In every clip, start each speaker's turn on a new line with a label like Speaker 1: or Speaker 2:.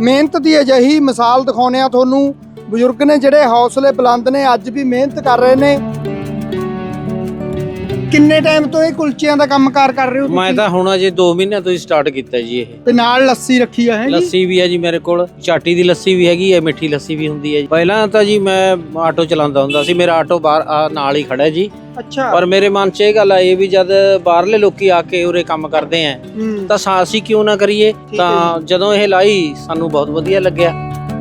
Speaker 1: ਮਿਹਨਤ ਦੀ ਅਜਿਹੀ ਮਿਸਾਲ ਦਿਖਾਉਂਦੇ ਆ ਤੁਹਾਨੂੰ। ਬਜ਼ੁਰਗ ਨੇ ਜਿਹੜੇ ਹੌਸਲੇ ਬੁਲੰਦ ਨੇ, ਅੱਜ ਵੀ ਮਿਹਨਤ ਕਰ ਰਹੇ ਨੇ। ਕਿੰਨੇ ਟਾਈਮ ਤੋਂ ਇਹ ਕੁਲਚਿਆਂ ਦਾ ਕੰਮਕਾਰ ਕਰ ਰਹੇ ਹੋ ਤੁਸੀਂ?
Speaker 2: ਮੈਂ ਤਾਂ ਹੁਣ ਅਜੇ 2 ਮਹੀਨਿਆਂ ਤੋਂ ਹੀ ਸਟਾਰਟ ਕੀਤਾ ਜੀ। ਇਹ
Speaker 1: ਤੇ ਨਾਲ ਲੱਸੀ ਰੱਖੀ ਆ ਹੈ ਜੀ?
Speaker 2: ਲੱਸੀ ਵੀ ਹੈ ਜੀ ਮੇਰੇ ਕੋਲ, ਚਾਟੀ ਦੀ ਲੱਸੀ ਵੀ ਹੈਗੀ ਹੈ, ਮਿੱਠੀ ਲੱਸੀ ਵੀ ਹੁੰਦੀ ਹੈ ਜੀ। ਪਹਿਲਾਂ ਤਾਂ ਜੀ ਮੈਂ ਆਟੋ ਚਲਾਉਂਦਾ ਹੁੰਦਾ ਸੀ, ਮੇਰਾ ਆਟੋ ਬਾਹਰ ਨਾਲ ਹੀ ਖੜਾ ਜੀ।
Speaker 1: ਅੱਛਾ।
Speaker 2: ਪਰ ਮੇਰੇ ਮਨ 'ਚ ਇਹ ਗੱਲ ਆਈ ਵੀ ਜਦ ਬਾਹਰਲੇ ਲੋਕੀ ਆ ਕੇ ਉਰੇ ਕੰਮ ਕਰਦੇ ਆ ਤਾਂ ਅਸੀਂ ਕਿਉਂ ਨਾ ਕਰੀਏ। ਤਾਂ ਜਦੋਂ ਇਹ ਲਾਈ ਸਾਨੂੰ ਬਹੁਤ ਵਧੀਆ ਲੱਗਿਆ।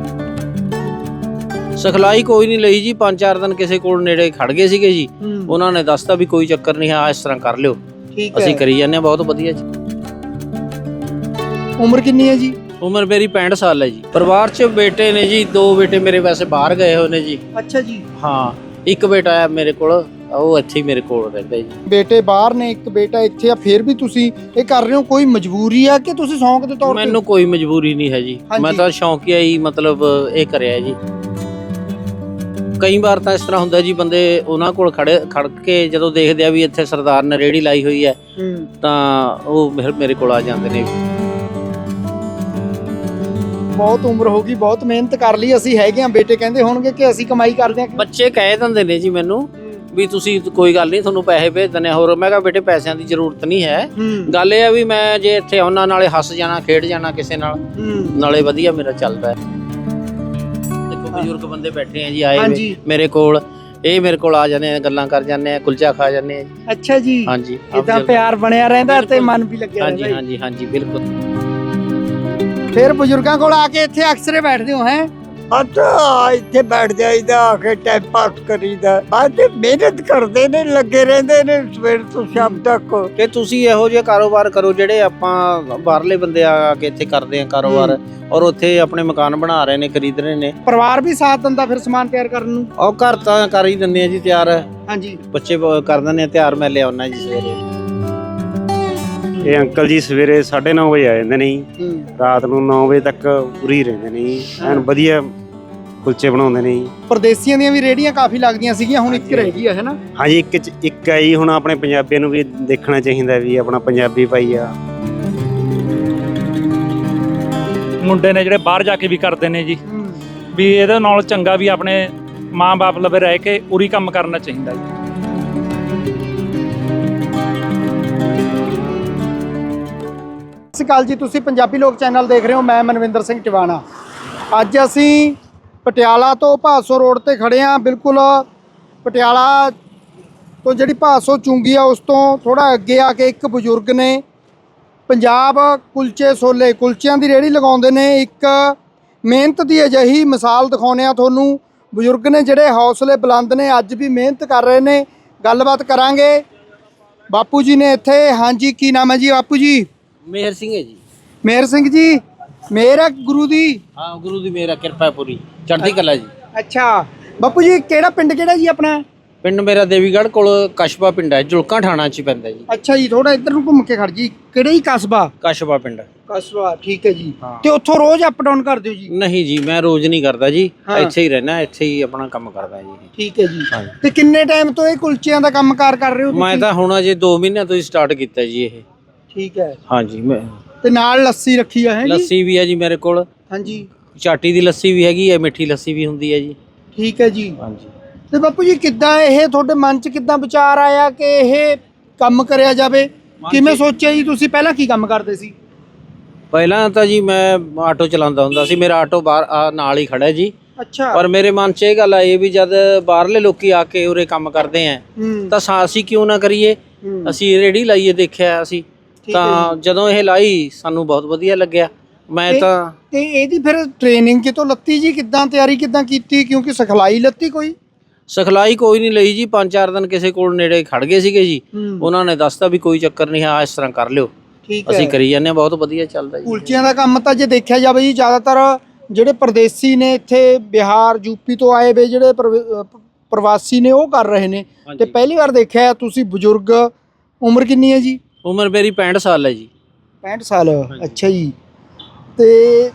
Speaker 2: ਸਿਖਲਾਈ ਕੋਈ ਨਹੀਂ ਲਈ ਜੀ, 5-4 ਦਿਨ ਕਿਸੇ ਕੋਲ ਨੇੜੇ ਖੜ ਗਏ ਸੀਗੇ ਜੀ। ਉਹਨਾਂ ਨੇ ਦੱਸਤਾ ਵੀ ਕੋਈ ਚੱਕਰ ਨਹੀਂ ਆ, ਇਸ ਤਰ੍ਹਾਂ ਕਰ ਲਿਓ। ਅਸੀਂ ਕਰੀ ਜਾਂਦੇ ਹਾਂ, ਬਹੁਤ ਵਧੀਆ ਜੀ।
Speaker 1: ਉਮਰ ਕਿੰਨੀ ਹੈ ਜੀ?
Speaker 2: ਉਮਰ ਮੇਰੀ 65 ਸਾਲ ਹੈ ਜੀ। ਪਰਿਵਾਰ 'ਚ ਬੇਟੇ ਨੇ ਜੀ, 2 ਬੇਟੇ ਮੇਰੇ ਵੈਸੇ ਬਾਹਰ ਗਏ ਹੋਏ ਨੇ ਜੀ।
Speaker 1: ਅੱਛਾ ਜੀ।
Speaker 2: ਹਾਂ, ਇੱਕ ਬੇਟਾ ਹੈ ਮੇਰੇ ਕੋਲ, ਉਹ ਇੱਥੇ ਹੀ ਮੇਰੇ ਕੋਲ ਰਹਿੰਦਾ ਜੀ।
Speaker 1: ਬੇਟੇ ਬਾਹਰ ਨੇ, ਇੱਕ ਬੇਟਾ ਇੱਥੇ ਆ, ਫਿਰ ਵੀ ਤੁਸੀਂ ਇਹ ਕਰ ਰਹੇ ਹੋ, ਕੋਈ ਮਜਬੂਰੀ ਆ ਕਿ ਤੁਸੀਂ ਸ਼ੌਂਕ ਦੇ ਤੌਰ ਤੇ?
Speaker 2: ਮੈਨੂੰ ਕੋਈ ਮਜਬੂਰੀ ਨਹੀਂ ਹੈ ਜੀ, ਮੈਂ ਤਾਂ ਸ਼ੌਂਕੀਆ ਹੀ ਮਤਲਬ ਇਹ ਕਰਿਆ ਜੀ। ਕਈ ਵਾਰ ਤਾਂ ਇਸ ਤਰ੍ਹਾਂ ਹੁੰਦਾ ਜੀ, ਬੰਦੇ ਉਹਨਾਂ ਕੋਲ ਖੜ ਕੇ ਜਦੋਂ ਦੇਖਦੇ ਆ ਵੀ ਇੱਥੇ ਸਰਦਾਰ ਨੇ ਰੇਹੜੀ ਲਾਈ ਹੋਈ ਹੈ ਤਾਂ ਉਹ ਮੇਰੇ ਕੋਲ ਆ ਜਾਂਦੇ ਨੇ।
Speaker 1: ਬਹੁਤ ਉਮਰ ਹੋ ਗਈ, ਬਹੁਤ ਮਿਹਨਤ ਕਰ ਲਈ, ਅਸੀਂ ਹੈਗੇ ਆ। ਬੇਟੇ ਕਹਿੰਦੇ ਹੋਣਗੇ ਕਿ ਅਸੀਂ ਕਮਾਈ ਕਰਦੇ ਆ।
Speaker 2: ਬੱਚੇ ਕਹਿ ਦਿੰਦੇ ਨੇ ਜੀ ਮੈਨੂੰ ਵੀ ਤੁਸੀਂ ਕੋਈ ਗੱਲ ਨਹੀਂ, ਤੁਹਾਨੂੰ ਪੈਸੇ ਭੇਜ ਦਿੰਦੇ ਆ। ਹੋਰ ਮੈਂ ਕਿਹਾ ਬੇਟੇ ਪੈਸਿਆਂ ਦੀ ਜ਼ਰੂਰਤ ਨਹੀਂ ਹੈ। ਗੱਲ ਇਹ ਆ ਵੀ ਮੈਂ ਜੇ ਇੱਥੇ ਆਉਣਾ, ਨਾਲੇ ਹੱਸ ਜਾਣਾ, ਖੇਡ ਜਾਣਾ ਕਿਸੇ ਨਾਲ, ਨਾਲੇ ਵਧੀਆ ਮੇਰਾ ਚੱਲਦਾ ਹੈ। ਦੇਖੋ ਬਜ਼ੁਰਗ ਬੰਦੇ ਬੈਠੇ ਆ ਜੀ, ਆਏ ਮੇਰੇ ਕੋਲ, ਇਹ ਮੇਰੇ ਕੋਲ ਆ ਜਾਂਦੇ ਆ, ਗੱਲਾਂ ਕਰ ਜਾਂਦੇ ਆ, ਕੁਲਚਾ ਖਾ ਜਾਂਦੇ ਆ ਜੀ।
Speaker 1: ਅੱਛਾ ਜੀ।
Speaker 2: ਹਾਂਜੀ,
Speaker 1: ਇਦਾਂ ਪਿਆਰ ਬਣਿਆ ਰਹਿੰਦਾ ਤੇ ਮਨ ਵੀ ਲੱਗਿਆ ਰਹਿੰਦਾ।
Speaker 2: ਹਾਂਜੀ ਹਾਂਜੀ ਹਾਂਜੀ, ਬਿਲਕੁਲ।
Speaker 1: ਫਿਰ ਬਜ਼ੁਰਗਾਂ ਕੋਲ ਆ ਕੇ ਇੱਥੇ ਅਕਸਰੇ ਬੈਠਦੇ ਹੋ? ਹੈ
Speaker 3: ਇੱਥੇ ਬੈਠ ਜਾਈਦਾ, ਆ ਕੇ ਟਾਈਮ ਪਾਸ ਕਰੀਦਾ। ਅੱਜ ਮਿਹਨਤ ਕਰਦੇ ਨੇ, ਲੱਗੇ ਰਹਿੰਦੇ ਨੇ ਸਵੇਰ ਤੋਂ ਸ਼ਾਮ ਤੱਕ।
Speaker 2: ਕਿ ਤੁਸੀਂ ਇਹੋ ਜਿਹੇ ਕਾਰੋਬਾਰ ਕਰੋ ਜਿਹੜੇ ਆਪਾਂ ਬਾਹਰਲੇ ਬੰਦੇ ਆ ਕੇ ਇੱਥੇ ਕਰਦੇ ਆ ਕਾਰੋਬਾਰ, ਔਰ ਉੱਥੇ ਆਪਣੇ ਮਕਾਨ ਬਣਾ ਰਹੇ ਨੇ, ਖਰੀਦ ਰਹੇ ਨੇ।
Speaker 1: ਪਰਿਵਾਰ ਵੀ ਸਾਥ ਦਿੰਦਾ ਫਿਰ ਸਮਾਨ ਤਿਆਰ ਕਰਨ ਨੂੰ?
Speaker 2: ਉਹ ਘਰ ਤਾਂ ਕਰ ਹੀ ਦਿੰਦੇ ਆ ਜੀ ਤਿਆਰ।
Speaker 1: ਹਾਂਜੀ,
Speaker 2: ਬੱਚੇ ਕਰ ਦਿੰਦੇ ਆ ਤਿਆਰ, ਮੈਂ ਲਿਆਉਣਾ ਜੀ ਸਵੇਰੇ।
Speaker 4: ਇਹ ਅੰਕਲ ਜੀ ਸਵੇਰੇ 9:30 ਵਜੇ ਆ ਜਾਂਦੇ ਨੇ ਜੀ, ਰਾਤ ਨੂੰ 9 ਵਜੇ ਤੱਕ ਉਰੀ ਰਹਿੰਦੇ ਨੇ ਜੀ। ਐਨ ਵਧੀਆ ਕੁਲਚੇ ਬਣਾਉਂਦੇ ਨੇ ਜੀ।
Speaker 1: ਪਰਦੇਸੀਆਂ ਦੀਆਂ ਵੀ ਰੇਹੜੀਆਂ ਕਾਫੀ ਲੱਗਦੀਆਂ ਸੀਗੀਆਂ, ਹੁਣ ਇੱਕ ਰਹਿ ਗਈ ਹੈ ਨਾ?
Speaker 4: ਹਾਂਜੀ, ਇੱਕ ਹੈ ਜੀ। ਹੁਣ ਆਪਣੇ ਪੰਜਾਬੀਆਂ ਨੂੰ ਵੀ ਦੇਖਣਾ ਚਾਹੀਦਾ ਵੀ ਆਪਣਾ ਪੰਜਾਬੀ ਭਾਈ ਆ।
Speaker 5: ਮੁੰਡੇ ਨੇ ਜਿਹੜੇ ਬਾਹਰ ਜਾ ਕੇ ਵੀ ਕਰਦੇ ਨੇ ਜੀ, ਵੀ ਇਹਦੇ ਨਾਲ ਚੰਗਾ ਵੀ ਆਪਣੇ ਮਾਂ-ਬਾਪ ਲਵੇ ਰਹਿ ਕੇ ਉਰੀ ਕੰਮ ਕਰਨਾ ਚਾਹੀਦਾ ਜੀ।
Speaker 1: ਸਤਿ ਸ਼੍ਰੀ ਅਕਾਲ ਜੀ, ਤੁਸੀਂ ਪੰਜਾਬੀ ਲੋਕ ਚੈਨਲ ਦੇਖ ਰਹੇ ਹੋ। ਮੈਂ ਮਨਵਿੰਦਰ ਸਿੰਘ ਟਿਵਾਣਾ। ਅੱਜ ਅਸੀਂ ਪਟਿਆਲਾ ਤੋਂ ਭਾਦਸੋਂ ਰੋਡ ਤੇ ਖੜੇ ਹਾਂ। ਬਿਲਕੁਲ ਪਟਿਆਲਾ ਤੋਂ ਜਿਹੜੀ ਭਾਦਸੋਂ ਚੁੰਗੀ ਆ, ਉਸ ਤੋਂ ਥੋੜਾ ਅੱਗੇ ਆ ਕੇ ਇੱਕ ਬਜ਼ੁਰਗ ਨੇ ਪੰਜਾਬ ਕੁਲਚੇ ਛੋਲੇ, ਕੁਲਚਿਆਂ ਦੀ ਰੇਹੜੀ ਲਗਾਉਂਦੇ ਨੇ। ਇੱਕ ਮਿਹਨਤ ਦੀ ਅਜਿਹੀ ਮਿਸਾਲ ਦਿਖਾਉਂਦੇ ਆ ਤੁਹਾਨੂੰ। ਬਜ਼ੁਰਗ ਨੇ ਜਿਹੜੇ ਹੌਸਲੇ ਬੁਲੰਦ ਨੇ, ਅੱਜ ਵੀ ਮਿਹਨਤ ਕਰ ਰਹੇ ਨੇ। ਗੱਲਬਾਤ ਕਰਾਂਗੇ। ਬਾਪੂ ਜੀ ਨੇ ਇੱਥੇ। ਹਾਂਜੀ, ਕੀ ਨਾਮ ਹੈ ਜੀ ਬਾਪੂ ਜੀ?
Speaker 2: ਮੇਹਰ ਸਿੰਘ ਹੈ ਜੀ।
Speaker 1: ਮੇਹਰ ਸਿੰਘ ਜੀ। ਮੇਹਰ ਹੈ ਗੁਰੂ ਦੀ?
Speaker 2: ਹਾਂ, ਗੁਰੂ ਦੀ ਮੇਹਰ, ਕਿਰਪਾ ਪੂਰੀ, ਚੜ੍ਹਦੀ ਕਲਾ ਜੀ।
Speaker 1: ਅੱਛਾ ਬਾਪੂ ਜੀ, ਕਿਹੜਾ ਪਿੰਡ ਕਿਹੜਾ ਜੀ ਆਪਣਾ?
Speaker 2: ਪਿੰਡ ਮੇਰਾ ਦੇਵੀਗੜ੍ਹ ਕੋਲ ਕਸਬਾ ਪਿੰਡ ਹੈ, ਜੁਲਕਾ ਥਾਣਾ 'ਚ ਪੈਂਦਾ ਜੀ।
Speaker 1: ਅੱਛਾ ਜੀ, ਥੋੜਾ ਇੱਧਰ ਨੂੰ ਘੁੰਮ ਕੇ ਖੜ ਜੀ। ਕਿਹੜਾ ਹੀ ਕਸਬਾ?
Speaker 2: ਕਸਬਾ ਪਿੰਡ।
Speaker 1: ਕਸਬਾ, ਠੀਕ ਹੈ ਜੀ। ਤੇ ਉੱਥੋਂ ਰੋਜ਼ ਅਪ ਡਾਊਨ ਕਰਦੇ ਹੋ ਜੀ?
Speaker 2: ਨਹੀਂ ਜੀ, ਮੈਂ ਰੋਜ਼ ਨਹੀਂ ਕਰਦਾ ਜੀ, ਇੱਥੇ ਹੀ ਰਹਿਣਾ, ਇੱਥੇ ਹੀ ਆਪਣਾ ਕੰਮ ਕਰਦਾ ਜੀ।
Speaker 1: ਠੀਕ ਹੈ ਜੀ। ਤੇ ਕਿੰਨੇ ਟਾਈਮ ਤੋਂ ਇਹ ਕੁਲਚਿਆਂ ਦਾ ਕੰਮਕਾਰ ਕਰ ਰਹੇ ਹੋ?
Speaker 2: ਮੈਂ ਤਾਂ ਹੁਣ ਅਜੇ 2 ਮਹੀਨਿਆਂ ਤੋਂ ਹੀ ਸਟਾਰਟ ਕੀਤਾ ਜੀ। ਇਹ
Speaker 1: ਠੀਕ ਹੈ।
Speaker 2: ਹਾਂਜੀ, ਮੈਂ
Speaker 1: ਤੇ ਨਾਲ ਲੱਸੀ ਰੱਖੀ ਆ? ਹੈ
Speaker 2: ਲੱਸੀ ਵੀ ਹੈ ਜੀ ਮੇਰੇ ਕੋਲ।
Speaker 1: ਹਾਂਜੀ,
Speaker 2: ਚਾਟੀ ਦੀ ਲੱਸੀ ਵੀ ਹੈਗੀ ਹੈ, ਮਿੱਠੀ ਲੱਸੀ ਵੀ ਹੁੰਦੀ ਹੈ ਜੀ।
Speaker 1: ਠੀਕ ਹੈ ਜੀ।
Speaker 2: ਹਾਂਜੀ।
Speaker 1: ਤੇ ਬਾਪੂ ਜੀ, ਕਿੱਦਾਂ ਇਹ ਤੁਹਾਡੇ ਮਨ 'ਚ ਕਿੱਦਾਂ ਵਿਚਾਰ ਆਇਆ ਕਿ ਇਹ ਕੰਮ ਕਰਿਆ ਜਾਵੇ? ਕਿਵੇਂ ਸੋਚਿਆ ਜੀ ਤੁਸੀਂ? ਪਹਿਲਾਂ ਕੀ ਕੰਮ ਕਰਦੇ ਸੀ?
Speaker 2: ਪਹਿਲਾਂ ਤਾਂ ਜੀ ਮੈਂ ਆਟੋ ਚਲਾਉਂਦਾ ਹੁੰਦਾ ਸੀ, ਮੇਰਾ ਆਟੋ ਬਾਹਰ ਨਾਲ ਹੀ ਖੜਾ ਜੀ।
Speaker 1: ਅੱਛਾ।
Speaker 2: ਪਰ ਮੇਰੇ ਮਨ 'ਚ ਇਹ ਗੱਲ ਆਈ ਵੀ ਜਦ ਬਾਹਰਲੇ ਲੋਕੀ ਆ ਕੇ ਉਰੇ ਕੰਮ ਕਰਦੇ ਆ ਤਾਂ ਅਸੀਂ ਕਿਉਂ ਨਾ ਕਰੀਏ। ਅਸੀਂ ਰੇਹੜੀ ਲਾਈਏ, ਦੇਖਿਆ ਅਸੀਂ ਤਾਂ ਜਦੋਂ ਇਹ ਲਾਈ ਸਾਨੂੰ ਬਹੁਤ ਵਧੀਆ ਲੱਗਿਆ। ਮੈਂ ਤਾਂ
Speaker 1: ਤੇ ਇਹਦੀ ਫਿਰ ਟ੍ਰੇਨਿੰਗ ਕਿਤੋਂ ਲੱਤੀ ਜੀ? ਕਿੱਦਾਂ ਤਿਆਰੀ ਕਿੱਦਾਂ ਕੀਤੀ? ਕਿਉਂਕਿ ਸਿਖਲਾਈ ਲੱਤੀ ਕੋਈ?
Speaker 2: ਸਿਖਲਾਈ ਕੋਈ ਨਹੀਂ ਲਈ ਜੀ, 5-4 ਦਿਨ ਕਿਸੇ ਕੋਲ ਨੇੜੇ ਖੜ ਗਏ ਸੀਗੇ ਜੀ। ਉਹਨਾਂ ਨੇ ਦੱਸਤਾ ਵੀ ਕੋਈ ਚੱਕਰ ਨਹੀਂ ਆ, ਇਸ ਤਰ੍ਹਾਂ ਕਰ ਲਿਓ। ਅਸੀਂ ਕਰੀ ਜਾਂਦੇ ਹਾਂ, ਬਹੁਤ ਵਧੀਆ ਚੱਲਦਾ ਜੀ।
Speaker 1: ਕੁਲਚਿਆਂ ਦਾ ਕੰਮ ਤਾਂ ਜੇ ਦੇਖਿਆ ਜਾਵੇ ਜੀ, ਜ਼ਿਆਦਾਤਰ ਜਿਹੜੇ ਪਰਦੇਸੀ ਨੇ, ਇੱਥੇ ਬਿਹਾਰ ਯੂਪੀ ਤੋਂ ਆਏ ਵੇ ਜਿਹੜੇ ਪ੍ਰਵਾਸੀ ਨੇ, ਉਹ ਕਰ ਰਹੇ ਨੇ। ਤੇ ਪਹਿਲੀ ਵਾਰ ਦੇਖਿਆ ਤੁਸੀਂ ਬਜ਼ੁਰਗ। ਉਮਰ ਕਿੰਨੀ ਹੈ ਜੀ?
Speaker 2: ਉਮਰ ਮੇਰੀ 65 ਸਾਲ ਹੈ ਜੀ।
Speaker 1: 65 ਸਾਲ? ਅੱਛਾ ਜੀ। ਤੇ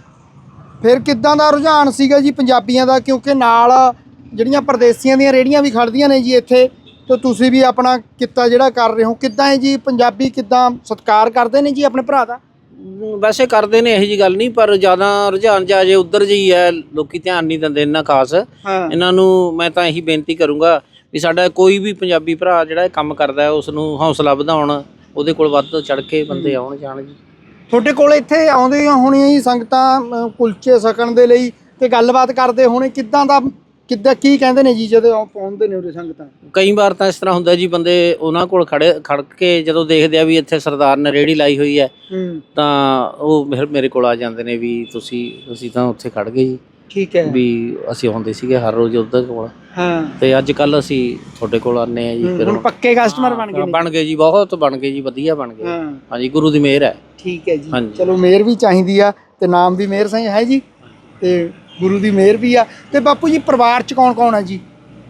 Speaker 1: ਫਿਰ ਕਿੱਦਾਂ ਦਾ ਰੁਝਾਨ ਸੀਗਾ ਜੀ ਪੰਜਾਬੀਆਂ ਦਾ? ਕਿਉਂਕਿ ਨਾਲ ਜਿਹੜੀਆਂ ਪਰਦੇਸੀਆਂ ਦੀਆਂ ਰੇਹੜੀਆਂ ਵੀ ਖੜਦੀਆਂ ਨੇ ਜੀ ਇੱਥੇ, ਤੇ ਤੁਸੀਂ ਵੀ ਆਪਣਾ ਕਿੱਤਾ ਜਿਹੜਾ ਕਰ ਰਹੇ ਹੋ, ਕਿੱਦਾਂ ਹੈ ਜੀ? ਪੰਜਾਬੀ ਕਿੱਦਾਂ ਸਤਿਕਾਰ ਕਰਦੇ ਨੇ ਜੀ ਆਪਣੇ ਭਰਾ ਦਾ?
Speaker 2: ਵੈਸੇ ਕਰਦੇ ਨੇ ਇਹੋ ਜੀ ਗੱਲ ਨਹੀਂ, ਪਰ ਜ਼ਿਆਦਾ ਰੁਝਾਨ ਜਾ ਜੇ ਉਧਰ ਜਿਹੀ ਹੈ, ਲੋਕੀ ਧਿਆਨ ਨਹੀਂ ਦਿੰਦੇ ਇੰਨਾ ਖਾਸ। ਇਹਨਾਂ ਨੂੰ ਮੈਂ ਤਾਂ ਇਹੀ ਬੇਨਤੀ ਕਰੂੰਗਾ ਵੀ ਸਾਡਾ ਕੋਈ ਵੀ ਪੰਜਾਬੀ ਭਰਾ ਜਿਹੜਾ ਇਹ ਕੰਮ ਕਰਦਾ ਹੈ ਉਸ ਨੂੰ ਹੌਸਲਾ ਵਧਾਉਣ, ਉਹਦੇ ਕੋਲ ਵੱਧ ਤੋਂ ਚੜ ਕੇ ਬੰਦੇ ਆਉਣ ਜਾਣ ਜੀ।
Speaker 1: ਤੁਹਾਡੇ ਕੋਲ ਇੱਥੇ ਆਉਂਦੀਆਂ ਹੋਣੀਆਂ ਜੀ ਸੰਗਤਾਂ ਕੁਲਚੇ ਛਕਣ ਦੇ ਲਈ ਤੇ ਗੱਲਬਾਤ ਕਰਦੇ ਹੋਣੇ, ਕਿੱਦਾਂ ਕੀ ਕਹਿੰਦੇ ਨੇ ਜੀ ਜਦੋਂ ਪਹੁੰਚਦੇ ਨੇ ਉਰੇ ਸੰਗਤਾਂ?
Speaker 2: ਕਈ ਵਾਰ ਤਾਂ ਇਸ ਤਰ੍ਹਾਂ ਹੁੰਦਾ ਜੀ, ਬੰਦੇ ਉਹਨਾਂ ਕੋਲ ਖੜ ਕੇ ਜਦੋਂ ਦੇਖਦੇ ਆ ਵੀ ਇੱਥੇ ਸਰਦਾਰ ਨੇ ਰੇਹੜੀ ਲਾਈ ਹੋਈ ਹੈ ਤਾਂ ਉਹ ਮੇਰੇ ਕੋਲ ਆ ਜਾਂਦੇ ਨੇ ਵੀ ਤੁਸੀਂ ਤਾਂ ਉੱਥੇ ਖੜ ਗਏ ਜੀ।
Speaker 1: ਠੀਕ ਹੈ। ਵੀ
Speaker 2: ਅਸੀਂ ਆਉਂਦੇ ਸੀਗੇ ਹਰ ਰੋਜ਼ ਉੱਧਰ ਕੋਲ,
Speaker 1: ਹਾਂ, ਤੇ
Speaker 2: ਅੱਜ ਕੱਲ ਅਸੀਂ ਤੁਹਾਡੇ ਕੋਲ ਆਨੇ ਆ ਜੀ। ਫਿਰ
Speaker 1: ਹੁਣ ਪੱਕੇ ਕਸਟਮਰ ਬਣ ਗਏ
Speaker 2: ਜੀ, ਬਹੁਤ ਬਣ ਗਏ ਜੀ, ਵਧੀਆ ਬਣ ਗਏ। ਹਾਂਜੀ, ਗੁਰੂ ਦੀ ਮਿਹਰ ਹੈ।
Speaker 1: ਠੀਕ ਹੈ ਜੀ, ਚਲੋ ਮਿਹਰ ਵੀ ਚਾਹੀਦੀ ਆ ਤੇ ਨਾਮ ਵੀ ਮਿਹਰ ਸਿੰਘ ਹੈ ਜੀ, ਤੇ ਗੁਰੂ ਦੀ ਮਿਹਰ ਵੀ ਆ। ਤੇ ਬਾਪੂ ਜੀ ਪਰਿਵਾਰ ਚ ਕੌਣ ਕੌਣ ਆ ਜੀ?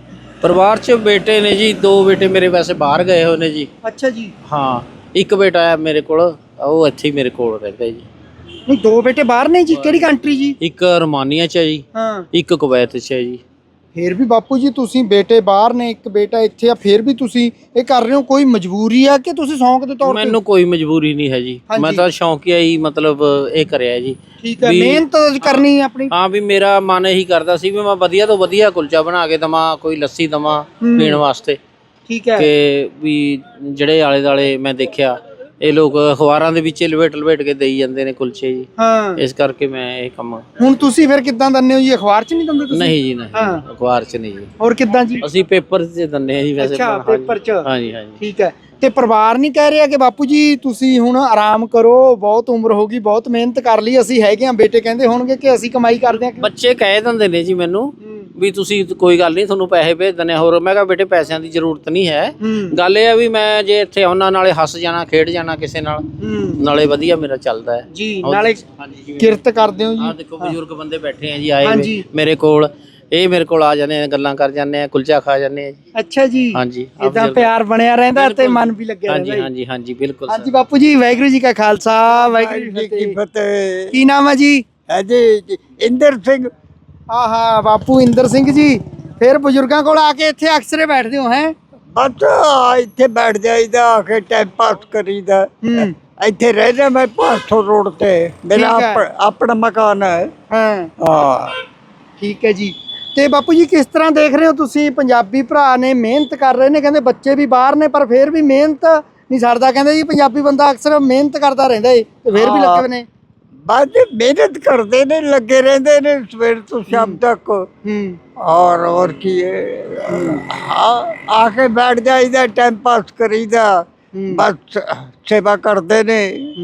Speaker 2: ਪਰਿਵਾਰ ਚ ਬੇਟੇ ਨੇ ਜੀ, 2 ਬੇਟੇ ਮੇਰੇ ਵੈਸੇ ਬਾਹਰ ਗਏ ਹੋਏ ਨੇ ਜੀ।
Speaker 1: ਅੱਛਾ ਜੀ।
Speaker 2: ਹਾਂ, ਇੱਕ ਬੇਟਾ ਹੈ ਮੇਰੇ ਕੋਲ, ਉਹ ਇੱਥੇ ਹੀ ਮੇਰੇ ਕੋਲ ਰਹਿੰਦਾ ਜੀ।
Speaker 1: ਨਹੀਂ, 2 ਬੇਟੇ ਬਾਹਰ ਨੇ ਜੀ? ਕਿਹੜੀ ਕੰਟਰੀ ਜੀ?
Speaker 2: ਇੱਕ ਰੋਮਾਨੀਆ ਚ ਹੈ ਜੀ,
Speaker 1: ਹਾਂ,
Speaker 2: ਇੱਕ ਕੁਵੈਤ ਚ ਹੈ ਜੀ।
Speaker 1: ਫੇਰ ਵੀ ਬਾਪੂ ਜੀ ਤੁਸੀਂ ਬੇਟੇ ਬਾਹਰ ਨੇ, ਇੱਕ ਬੇਟਾ ਇੱਥੇ ਆ, ਫੇਰ ਵੀ ਤੁਸੀਂ ਇਹ ਕਰ ਰਹੇ ਹੋ, ਕੋਈ ਮਜਬੂਰੀ ਆ ਕਿ ਤੁਸੀਂ ਸ਼ੌਂਕ ਦੇ ਤੌਰ ਤੇ?
Speaker 2: ਮੈਨੂੰ ਕੋਈ ਮਜਬੂਰੀ ਨਹੀਂ ਹੈ ਜੀ, ਮੈਂ ਤਾਂ ਸ਼ੌਂਕੀਆ ਹੀ ਮਤਲਬ ਇਹ ਕਰਿਆ ਜੀ।
Speaker 1: ਠੀਕ ਹੈ, ਮਿਹਨਤ ਕਰਨੀ ਆਪਣੀ।
Speaker 2: ਹਾਂ, ਵੀ ਮੇਰਾ ਮਨ ਇਹੀ ਕਰਦਾ ਸੀ ਵੀ ਮੈਂ ਵਧੀਆ ਤੋਂ ਵਧੀਆ ਕੁਲਚਾ ਬਣਾ ਕੇ ਦਵਾਂ, ਕੋਈ ਲੱਸੀ ਦਵਾਂ ਪੀਣ ਵਾਸਤੇ।
Speaker 1: ਠੀਕ ਹੈ।
Speaker 2: ਕਿ ਵੀ ਜਿਹੜੇ ਆਲੇ ਦੁਆਲੇ ਮੈਂ ਦੇਖਿਆ ਇਹ ਲੋਕ ਅਖਬਾਰਾਂ ਦੇ ਵਿੱਚ ਲਵੇਟ ਕੇ ਦੇਈ ਜਾਂਦੇ ਨੇ ਕੁਲਚੇ ਜੀ।
Speaker 1: ਹਾਂ,
Speaker 2: ਇਸ ਕਰਕੇ ਮੈਂ ਇਹ ਕੰਮ।
Speaker 1: ਹੁਣ ਤੁਸੀਂ ਫਿਰ ਕਿੱਦਾਂ ਦਿੰਦੇ ਹੋ ਜੀ? ਅਖਬਾਰ 'ਚ ਨਹੀਂ ਦਿੰਦੇ ਤੁਸੀਂ?
Speaker 2: ਨਹੀਂ ਜੀ, ਨਹੀਂ, ਅਖਬਾਰ 'ਚ ਨਹੀਂ ਜੀ।
Speaker 1: ਹੋਰ ਕਿੱਦਾਂ ਜੀ?
Speaker 2: ਅਸੀਂ ਪੇਪਰ 'ਚ ਦਿੰਦੇ ਆ ਜੀ ਵੈਸੇ।
Speaker 1: ਅੱਛਾ, ਪੇਪਰ 'ਚ।
Speaker 2: ਹਾਂਜੀ ਹਾਂਜੀ।
Speaker 1: ਠੀਕ ਹੈ। ਤੇ ਪਰਿਵਾਰ ਨਹੀਂ ਕਹਿ ਰਿਹਾ ਕਿ ਬਾਪੂ ਜੀ ਤੁਸੀਂ ਹੁਣ ਆਰਾਮ ਕਰੋ, ਬਹੁਤ ਉਮਰ ਹੋ ਗਈ, ਬਹੁਤ ਮਿਹਨਤ ਕਰ ਲਈ, ਅਸੀਂ ਹੈਗੇ ਆ? ਬੇਟੇ ਕਹਿੰਦੇ ਹੋਣਗੇ ਕਿ ਅਸੀਂ ਕਮਾਈ ਕਰਦੇ ਆ?
Speaker 2: ਬੱਚੇ ਕਹਿ ਦਿੰਦੇ ਨੇ ਜੀ ਮੈਨੂੰ ਵੀ ਤੁਸੀਂ ਕੋਈ ਗੱਲ ਨਹੀਂ, ਤੁਹਾਨੂੰ ਪੈਸੇ ਭੇਜ ਦਿੰਦੇ ਆ। ਹੋਰ ਮੈਂ ਕਿਹਾ ਬੇਟੇ ਪੈਸਿਆਂ ਦੀ ਜ਼ਰੂਰਤ ਨਹੀਂ ਹੈ, ਗੱਲ ਇਹ ਆ ਵੀ ਮੈਂ ਜੇ ਇੱਥੇ ਉਹਨਾਂ ਨਾਲੇ ਹੱਸ ਜਾਣਾ, ਖੇਡ ਜਾਣਾ ਕਿਸੇ ਨਾਲ, ਨਾਲੇ ਵਧੀਆ ਮੇਰਾ ਚੱਲਦਾ ਹੈ ਜੀ, ਨਾਲੇ ਕਿਰਤ ਕਰਦੇ ਹੋ ਜੀ। ਆਹ ਦੇਖੋ ਬਜ਼ੁਰਗ ਬੰਦੇ ਬੈਠੇ ਆ ਜੀ, ਆਏ ਮੇਰੇ ਕੋਲ, ਇਹ ਮੇਰੇ ਕੋਲ ਆ ਜਾਂਦੇ ਆ, ਗੱਲਾਂ ਕਰ ਜਾਂਦੇ ਆ, ਕੁਲਚਾ ਖਾ ਜਾਂਦੇ ਆ ਜੀ।
Speaker 1: ਅੱਛਾ ਜੀ।
Speaker 2: ਹਾਂਜੀ,
Speaker 1: ਇਦਾਂ ਪਿਆਰ ਬਣਿਆ ਰਹਿੰਦਾ ਤੇ ਮਨ ਵੀ ਲੱਗਿਆ ਰਹਿੰਦਾ।
Speaker 2: ਹਾਂਜੀ ਹਾਂਜੀ ਹਾਂਜੀ, ਬਿਲਕੁਲ।
Speaker 1: ਹਾਂਜੀ ਬਾਪੂ ਜੀ, ਵਾਹਿਗੁਰੂ ਜੀ ਕਾ ਖਾਲਸਾ, ਵਾਹਿਗੁਰੂ ਜੀ ਕੀ ਫਤਿਹ। ਕੀ ਨਾਮ ਹੈ ਜੀ?
Speaker 3: ਹੈ ਜੀ ਇੰਦਰ ਸਿੰਘ।
Speaker 1: ਆਹਾ, ਬਾਪੂ ਇੰਦਰ ਸਿੰਘ ਜੀ, ਫਿਰ ਬਜ਼ੁਰਗਾਂ ਕੋਲ ਆ ਕੇ ਇੱਥੇ ਅਕਸਰੇ ਬੈਠਦੇ ਹੋ? ਹੈ
Speaker 3: ਬਸ ਇੱਥੇ ਬੈਠ ਜਾਈਦਾ, ਆ ਕੇ ਟਾਈਮ ਪਾਸ ਕਰੀਦਾ। ਇੱਥੇ ਰਹਿਦਾ ਮੈਂ 500 ਰੋਡ ਤੇ, ਮੇਰਾ ਆਪਣਾ ਮਕਾਨ ਹੈ। ਹਾਂ,
Speaker 1: ਠੀਕ ਹੈ ਜੀ। ਤੇ ਬਾਪੂ ਜੀ ਕਿਸ ਤਰ੍ਹਾਂ ਦੇਖ ਰਹੇ ਹੋ ਤੁਸੀਂ? ਪੰਜਾਬੀ ਭਰਾ ਨੇ ਮਿਹਨਤ ਕਰ ਰਹੇ ਨੇ, ਕਹਿੰਦੇ ਬੱਚੇ ਵੀ ਬਾਹਰ ਨੇ ਪਰ ਫਿਰ ਵੀ ਮਿਹਨਤ ਨਹੀਂ ਛੱਡਦਾ। ਕਹਿੰਦੇ ਜੀ ਪੰਜਾਬੀ ਬੰਦਾ ਅਕਸਰ ਮਿਹਨਤ ਕਰਦਾ ਰਹਿੰਦਾ ਏ ਤੇ ਫਿਰ ਵੀ ਲੱਗੇ ਹੋਏ ਨੇ।
Speaker 3: ਬਸ ਮਿਹਨਤ ਕਰਦੇ ਨੇ, ਲੱਗੇ ਰਹਿੰਦੇ ਨੇ ਸਵੇਰ ਤੋਂ ਸ਼ਾਮ ਤੱਕ। ਔਰ ਕੀ ਆ ਕੇ ਬੈਠ ਜਾਈਦਾ, ਟਾਈਮ ਪਾਸ ਕਰੀਦਾ, ਬਸ ਸੇਵਾ ਕਰਦੇ ਨੇ।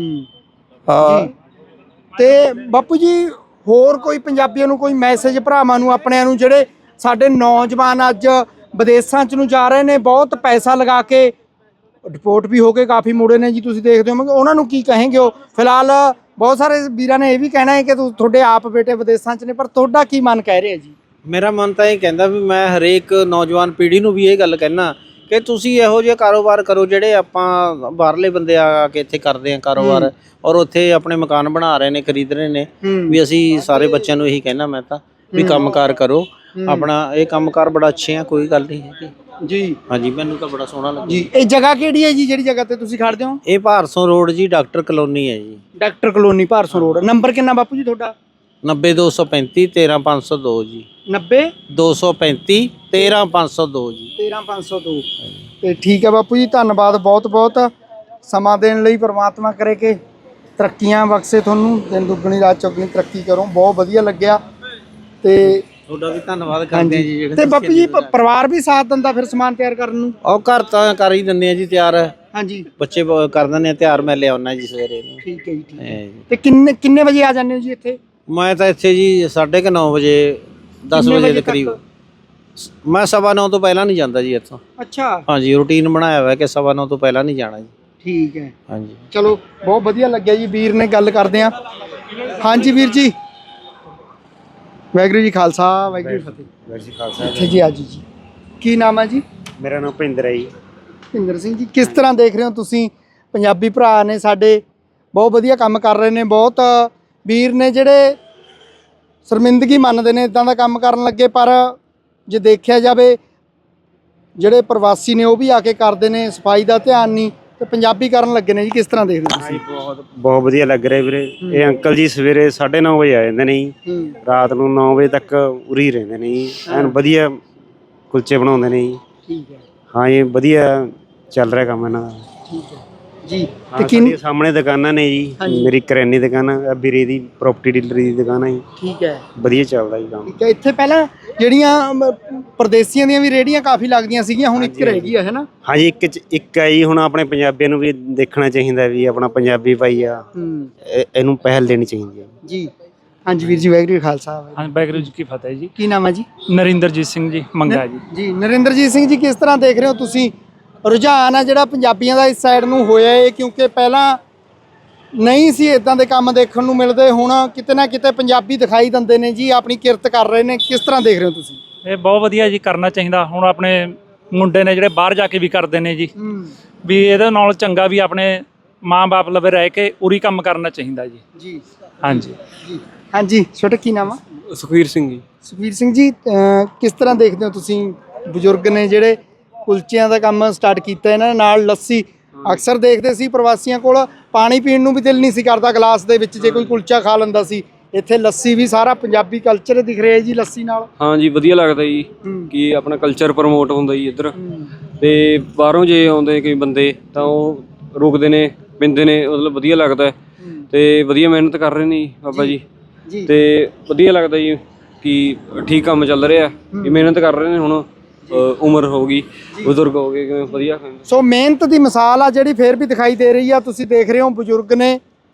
Speaker 3: ਹਾਂ।
Speaker 1: ਤੇ ਬਾਪੂ ਜੀ ਹੋਰ ਕੋਈ ਪੰਜਾਬੀਆਂ ਨੂੰ ਕੋਈ ਮੈਸੇਜ, ਭਰਾਵਾਂ ਨੂੰ ਆਪਣਿਆਂ ਨੂੰ ਜਿਹੜੇ ਸਾਡੇ ਨੌਜਵਾਨ ਅੱਜ ਵਿਦੇਸ਼ਾਂ 'ਚ ਨੂੰ ਜਾ ਰਹੇ ਨੇ, ਬਹੁਤ ਪੈਸਾ ਲਗਾ ਕੇ, ਰਿਪੋਰਟ ਵੀ ਹੋ ਕੇ ਕਾਫੀ ਮੁੜੇ ਨੇ ਜੀ, ਤੁਸੀਂ ਦੇਖਦੇ ਹੋ, ਉਹਨਾਂ ਨੂੰ ਕੀ ਕਹੇਂਗੇ? ਉਹ ਫਿਲਹਾਲ ਬਹੁਤ ਸਾਰੇ ਵੀਰਾਂ ਨੇ ਇਹ ਵੀ ਕਹਿਣਾ ਹੈ ਕਿ ਤੁਹਾਡੇ ਆਪ ਬੇਟੇ ਵਿਦੇਸ਼ਾਂ 'ਚ ਨੇ, ਪਰ ਤੁਹਾਡਾ ਕੀ ਮਨ ਕਹਿ ਰਿਹਾ ਜੀ?
Speaker 2: ਮੇਰਾ ਮਨ ਤਾਂ ਇਹ ਕਹਿੰਦਾ ਵੀ ਮੈਂ ਹਰੇਕ ਨੌਜਵਾਨ ਪੀੜ੍ਹੀ ਨੂੰ ਵੀ ਇਹ ਗੱਲ ਕਹਿਣਾ ਕਿ ਤੁਸੀਂ ਇਹੋ ਜਿਹੇ ਕਾਰੋਬਾਰ ਕਰੋ ਜਿਹੜੇ ਆਪਾਂ ਬਾਹਰਲੇ ਬੰਦੇ ਆ ਕੇ ਇੱਥੇ ਕਰਦੇ ਆ ਕਾਰੋਬਾਰ, ਔਰ ਉੱਥੇ ਆਪਣੇ ਮਕਾਨ ਬਣਾ ਰਹੇ ਨੇ, ਖਰੀਦ ਰਹੇ ਨੇ। ਵੀ ਅਸੀਂ ਸਾਰੇ ਬੱਚਿਆਂ ਨੂੰ ਇਹੀ ਕਹਿਣਾ ਮੈਂ ਤਾਂ ਵੀ ਕੰਮਕਾਰ ਕਰੋ ਆਪਣਾ, ਇਹ ਕੰਮਕਾਰ ਬੜਾ ਅੱਛੇ ਆ, ਕੋਈ ਗੱਲ ਨਹੀਂ ਹੈਗੀ ਜੀ। ਹਾਂਜੀ, ਮੈਨੂੰ ਤਾਂ ਬੜਾ ਸੋਹਣਾ ਲੱਗਾ ਜੀ।
Speaker 1: ਇਹ ਜਗ੍ਹਾ ਕਿਹੜੀ ਹੈ ਜੀ, ਜਿਹੜੀ ਜਗ੍ਹਾ ਤੇ ਤੁਸੀਂ ਖੜਦੇ ਹੋ?
Speaker 2: ਇਹ ਭਾਰਸੋਂ ਰੋਡ ਜੀ, ਡਾਕਟਰ ਕਲੋਨੀ ਹੈ ਜੀ।
Speaker 1: Doctor colony, Bhadson road. Number ਕਿੰਨਾ ਬਾਪੂ ਜੀ ਤੁਹਾਡਾ?
Speaker 2: 90235 13502 ਜੀ।
Speaker 1: 90235
Speaker 2: 13502 ਜੀ।
Speaker 1: 13502। ਤੇ ਠੀਕ ਹੈ ਬਾਪੂ ਜੀ, ਧੰਨਵਾਦ ਬਹੁਤ ਬਹੁਤ ਸਮਾਂ ਦੇਣ ਲਈ। ਪ੍ਰਮਾਤਮਾ ਕਰੇ ਕਿ ਤਰੱਕੀਆਂ ਬਖਸ਼ੇ ਤੁਹਾਨੂੰ, ਦਿਨ ਦੁੱਗਣੀ ਰਾਤ ਚੌਗਣੀ ਤਰੱਕੀ ਕਰੋ। ਬਹੁਤ ਵਧੀਆ ਲੱਗਿਆ ਤੇ
Speaker 2: ਤੁਹਾਡਾ ਵੀ ਧੰਨਵਾਦ ਕਰਦੇ ਆ ਜੀ ਜਿਹੜੇ।
Speaker 1: ਤੇ ਬਾਪੂ ਜੀ ਪਰਿਵਾਰ ਵੀ ਸਾਥ ਦਿੰਦਾ ਫਿਰ ਸਮਾਨ ਤਿਆਰ ਕਰਨ ਨੂੰ?
Speaker 2: ਉਹ ਘਰ ਤਾਂ ਕਰ ਹੀ ਦਿੰਦੇ ਆ ਜੀ ਤਿਆਰ।
Speaker 1: ਹਾਂਜੀ,
Speaker 2: ਬੱਚੇ ਕਰ ਦਿੰਦੇ ਆ ਤਿਆਰ, ਮੈਂ ਲਿਆਉਣਾ ਜੀ ਸਵੇਰੇ ਨੂੰ।
Speaker 1: ਠੀਕ ਹੈ ਜੀ, ਠੀਕ ਹੈ। ਤੇ ਕਿੰਨੇ ਵਜੇ ਆ ਜਾਂਦੇ ਹੋ ਜੀ ਇੱਥੇ?
Speaker 2: ਮੈਂ ਤਾਂ ਇੱਥੇ ਜੀ 9:30 ਵਜੇ, 10 ਵਜੇ ਦੇ ਕਰੀਬ। ਮੈਂ 9:15 ਤੋਂ ਪਹਿਲਾਂ ਨਹੀਂ ਜਾਂਦਾ ਜੀ ਇੱਥੋਂ।
Speaker 1: ਅੱਛਾ।
Speaker 2: ਹਾਂਜੀ, ਰੂਟੀਨ ਬਣਾਇਆ ਹੋਇਆ ਕਿ 9:15 ਤੋਂ ਪਹਿਲਾਂ ਨਹੀਂ ਜਾਣਾ ਜੀ।
Speaker 1: ਠੀਕ ਹੈ।
Speaker 2: ਹਾਂਜੀ,
Speaker 1: ਚਲੋ ਬਹੁਤ ਵਧੀਆ ਲੱਗਿਆ ਜੀ, ਵੀਰ ਨੇ ਗੱਲ ਕਰਦੇ ਆ। ਹਾਂਜੀ ਵੀਰ ਜੀ, ਵਾਹਿਗੁਰੂ ਜੀ ਖਾਲਸਾ, ਵਾਹਿਗੁਰੂ ਜੀ ਫਤਿਹ।
Speaker 4: ਵਾਹਿਗੁਰੂ ਜੀ ਖਾਲਸਾ।
Speaker 1: ਅੱਛਾ ਜੀ, ਅੱਜ ਜੀ ਕੀ ਨਾਮ ਹੈ ਜੀ?
Speaker 4: ਮੇਰਾ ਨਾਮ ਭਿੰਦਰ ਹੈ ਜੀ।
Speaker 1: ਭਿੰਦਰ ਸਿੰਘ ਜੀ, ਕਿਸ ਤਰ੍ਹਾਂ ਦੇਖ ਰਹੇ ਹੋ ਤੁਸੀਂ? ਪੰਜਾਬੀ ਭਰਾ ਨੇ ਸਾਡੇ, ਬਹੁਤ ਵਧੀਆ ਕੰਮ ਕਰ ਰਹੇ ਨੇ, ਬਹੁਤ ਵੀਰ ਨੇ ਜਿਹੜੇ ਸ਼ਰਮਿੰਦਗੀ ਮੰਨਦੇ ਨੇ ਇਦਾਂ ਦਾ ਕੰਮ ਕਰਨ ਲੱਗੇ, ਪਰ ਜੇ ਦੇਖਿਆ ਜਾਵੇ ਜਿਹੜੇ ਪ੍ਰਵਾਸੀ ਨੇ ਉਹ ਵੀ ਆ ਕੇ ਕਰਦੇ ਨੇ, ਸਫਾਈ ਦਾ ਧਿਆਨ ਨਹੀਂ ਤੇ ਪੰਜਾਬੀ ਕਰਨ ਲੱਗੇ ਨੇ ਜੀ, ਕਿਸ ਤਰ੍ਹਾਂ ਦੇਖਦੇ ਹੋ ਤੁਸੀਂ?
Speaker 4: ਬਹੁਤ ਬਹੁਤ ਵਧੀਆ ਲੱਗ ਰਿਹਾ ਵੀਰੇ। ਇਹ ਅੰਕਲ ਜੀ ਸਵੇਰੇ 9:30 ਵਜੇ ਆ ਜਾਂਦੇ ਨੇ ਜੀ, ਰਾਤ ਨੂੰ 9 ਵਜੇ ਤੱਕ ਉਰੀ ਰਹਿੰਦੇ ਨੇ ਜੀ। ਐਨ ਵਧੀਆ ਕੁਲਚੇ ਬਣਾਉਂਦੇ ਨੇ ਜੀ।
Speaker 1: ਠੀਕ ਹੈ
Speaker 4: ਹਾਂ ਜੀ, ਵਧੀਆ ਚੱਲ ਰਿਹਾ ਕੰਮ ਇਹਨਾਂ ਦਾ।
Speaker 1: ਠੀਕ ਹੈ ਜੀ। ਤੇ
Speaker 4: ਸਾਡੀਆਂ ਸਾਹਮਣੇ ਦੁਕਾਨਾਂ ਨੇ ਜੀ, ਮੇਰੀ ਕਰਿਆਨੇ ਦੀ ਦੁਕਾਨ ਆ, ਵੀਰੇ ਦੀ ਪ੍ਰੋਪਰਟੀ ਡੀਲਰ ਦੀ ਦੁਕਾਨ ਹੈ ਜੀ।
Speaker 1: ਠੀਕ ਹੈ
Speaker 4: ਵਧੀਆ ਚੱਲਦਾ ਜੀ ਕੰਮ।
Speaker 1: ਠੀਕ ਹੈ। ਇੱਥੇ ਪਹਿਲਾਂ ਜਿਹੜੀਆਂ ਪਰਦੇਸੀਆਂ ਦੀਆਂ ਵੀ ਰੇਹੜੀਆਂ ਕਾਫੀ ਲੱਗਦੀਆਂ ਸੀਗੀਆਂ, ਹੁਣ ਇੱਕ ਰਹਿ ਗਈ ਹੈ ਨਾ?
Speaker 4: ਹਾਂ ਜੀ, ਇੱਕ ਹੈ ਜੀ। ਹੁਣ ਆਪਣੇ ਪੰਜਾਬੀਆਂ ਨੂੰ ਵੀ ਦੇਖਣਾ ਚਾਹੀਦਾ ਵੀ ਆਪਣਾ ਪੰਜਾਬੀ ਭਾਈ ਆ, ਇਹਨੂੰ ਪਹਿਲ ਦੇਣੀ ਚਾਹੀਦੀ ਹੈ
Speaker 1: ਜੀ। ਹਾਂਜੀ ਵੀਰ ਜੀ, ਵਾਹਿਗੁਰੂ ਜੀ ਕਾ ਖਾਲਸਾ
Speaker 5: ਹਾਂ, ਵਾਹਿਗੁਰੂ ਜੀ ਕੀ ਫਤਿਹ ਜੀ।
Speaker 1: ਕੀ ਨਾਮ ਹੈ ਜੀ?
Speaker 5: ਨਰਿੰਦਰਜੀਤ ਸਿੰਘ ਜੀ ਮੰਗਾ ਜੀ।
Speaker 1: ਜੀ ਨਰਿੰਦਰਜੀਤ ਸਿੰਘ ਜੀ, ਕਿਸ ਤਰ੍ਹਾਂ ਦੇਖ ਰਹੇ ਹੋ ਤੁਸੀਂ ਰੁਝਾਨ ਆ ਜਿਹੜਾ ਪੰਜਾਬੀਆਂ ਦਾ ਇਸ ਸਾਈਡ ਨੂੰ ਹੋਇਆ ਹੈ? ਕਿਉਂਕਿ ਪਹਿਲਾਂ ਨਹੀਂ ਸੀ ਇਦਾਂ ਦੇ ਕੰਮ ਦੇਖਣ ਨੂੰ ਮਿਲਦੇ, ਹੁਣ ਕਿਤੇ ਨਾ ਕਿਤੇ ਪੰਜਾਬੀ ਦਿਖਾਈ ਦਿੰਦੇ ਨੇ ਜੀ, ਆਪਣੀ ਕਿਰਤ ਕਰ ਰਹੇ ਨੇ। ਕਿਸ ਤਰ੍ਹਾਂ ਦੇਖ ਰਹੇ ਹੋ ਤੁਸੀਂ?
Speaker 5: ਇਹ ਬਹੁਤ ਵਧੀਆ ਜੀ, ਕਰਨਾ ਚਾਹੀਦਾ। ਹੁਣ ਆਪਣੇ ਮੁੰਡੇ ਨੇ ਜਿਹੜੇ ਬਾਹਰ ਜਾ ਕੇ ਵੀ ਕਰਦੇ ਨੇ ਜੀ, ਵੀ ਇਹਦੇ ਨਾਲ ਚੰਗਾ ਵੀ ਆਪਣੇ ਮਾਂ-ਬਾਪ ਲਵੇ ਰਹਿ ਕੇ ਉਰੀ ਕੰਮ ਕਰਨਾ ਚਾਹੀਦਾ ਜੀ।
Speaker 1: ਜੀ
Speaker 5: ਹਾਂਜੀ
Speaker 1: ਜੀ। ਹਾਂਜੀ, ਛੋਟਾ ਕੀ ਨਾਮ ਆ?
Speaker 6: ਸੁਖਵੀਰ ਸਿੰਘ ਜੀ।
Speaker 1: ਸੁਖਵੀਰ ਸਿੰਘ ਜੀ, ਕਿਸ ਤਰ੍ਹਾਂ ਦੇਖਦੇ ਹੋ ਤੁਸੀਂ ਬਜ਼ੁਰਗ ਨੇ ਜਿਹੜੇ ਕੁਲਚਿਆਂ ਦਾ ਕੰਮ ਸਟਾਰਟ ਕੀਤਾ, ਇਹਨਾਂ ਦੇ ਨਾਲ ਲੱਸੀ? ਅਕਸਰ ਦੇਖਦੇ ਸੀ ਪ੍ਰਵਾਸੀਆਂ ਕੋਲ ਪਾਣੀ ਪੀਣ ਨੂੰ ਵੀ ਦਿਲ ਨਹੀਂ ਸੀ ਕਰਦਾ ਗਲਾਸ ਦੇ ਵਿੱਚ, ਜੇ ਕੋਈ ਕੁਲਚਾ ਖਾ ਲੈਂਦਾ ਸੀ। ਇੱਥੇ ਲੱਸੀ ਵੀ ਸਾਰਾ ਪੰਜਾਬੀ ਕਲਚਰ ਦਿਖ ਰਿਹਾ ਜੀ ਲੱਸੀ ਨਾਲ।
Speaker 6: ਹਾਂ ਜੀ, ਵਧੀਆ ਲੱਗਦਾ ਜੀ ਕਿ ਆਪਣਾ ਕਲਚਰ ਪ੍ਰਮੋਟ ਹੁੰਦਾ ਜੀ ਇੱਧਰ। ਤੇ ਬਾਹਰੋਂ ਜੇ ਆਉਂਦੇ ਕਈ ਬੰਦੇ ਤਾਂ ਉਹ ਰੁਕਦੇ ਨੇ, ਪੀਂਦੇ ਨੇ, ਮਤਲਬ ਵਧੀਆ ਲੱਗਦਾ ਤੇ ਵਧੀਆ ਮਿਹਨਤ ਕਰ ਰਹੇ ਨੇ ਜੀ ਬਾਬਾ ਜੀ। ਤੇ ਵਧੀਆ ਲੱਗਦਾ ਜੀ ਕਿ ਠੀਕ ਕੰਮ ਚੱਲ ਰਿਹਾ, ਕਿ ਮਿਹਨਤ ਕਰ ਰਹੇ ਨੇ। ਹੁਣ ਉਮਰ ਹੋ ਗਈ, ਬਜ਼ੁਰਗ ਹੋ ਗਏ, ਕਿਵੇਂ ਵਧੀਆ।
Speaker 1: ਸੋ ਮਿਹਨਤ ਦੀ ਮਿਸਾਲ ਆ ਜਿਹੜੀ ਫੇਰ ਵੀ ਦਿਖਾਈ ਦੇ ਰਹੀ ਆ। ਤੁਸੀਂ ਦੇਖ ਰਹੇ ਹੋ ਬਜ਼ੁਰਗ ਨੇ,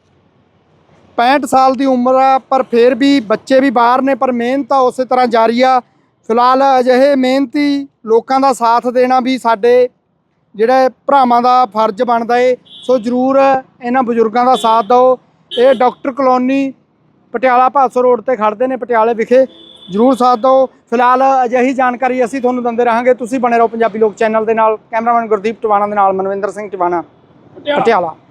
Speaker 1: 65 ਸਾਲ ਦੀ ਉਮਰ ਆ, ਪਰ ਫਿਰ ਵੀ ਬੱਚੇ ਵੀ ਬਾਹਰ ਨੇ, ਪਰ ਮਿਹਨਤ ਆ ਉਸੇ ਤਰ੍ਹਾਂ ਜਾਰੀ ਆ। ਫਿਲਹਾਲ ਅਜਿਹੇ ਮਿਹਨਤੀ ਲੋਕਾਂ ਦਾ ਸਾਥ ਦੇਣਾ ਵੀ ਸਾਡੇ ਜਿਹੜੇ ਭਰਾਵਾਂ ਦਾ ਫਰਜ਼ ਬਣਦਾ ਏ। ਸੋ ਜ਼ਰੂਰ ਇਹਨਾਂ ਬਜ਼ੁਰਗਾਂ ਦਾ ਸਾਥ ਦਿਓ। ਇਹ doctor colony Patiala Bhadson road ਤੇ ਖੜ੍ਹਦੇ ਨੇ ਪਟਿਆਲੇ ਵਿਖੇ, ਜ਼ਰੂਰ ਸਾਥ ਦਿਓ। ਫਿਲਹਾਲ ਅਜਿਹੀ ਜਾਣਕਾਰੀ ਅਸੀਂ ਤੁਹਾਨੂੰ ਦਿੰਦੇ ਰਹਾਂਗੇ। ਤੁਸੀਂ ਬਣੇ ਰਹੋ ਪੰਜਾਬੀ ਲੋਕ ਚੈਨਲ ਦੇ ਨਾਲ। ਕੈਮਰਾਮੈਨ ਗੁਰਦੀਪ ਟਿਵਾਣਾ ਦੇ ਨਾਲ ਮਨਵਿੰਦਰ ਸਿੰਘ ਟਿਵਾਣਾ, ਪਟਿਆਲਾ।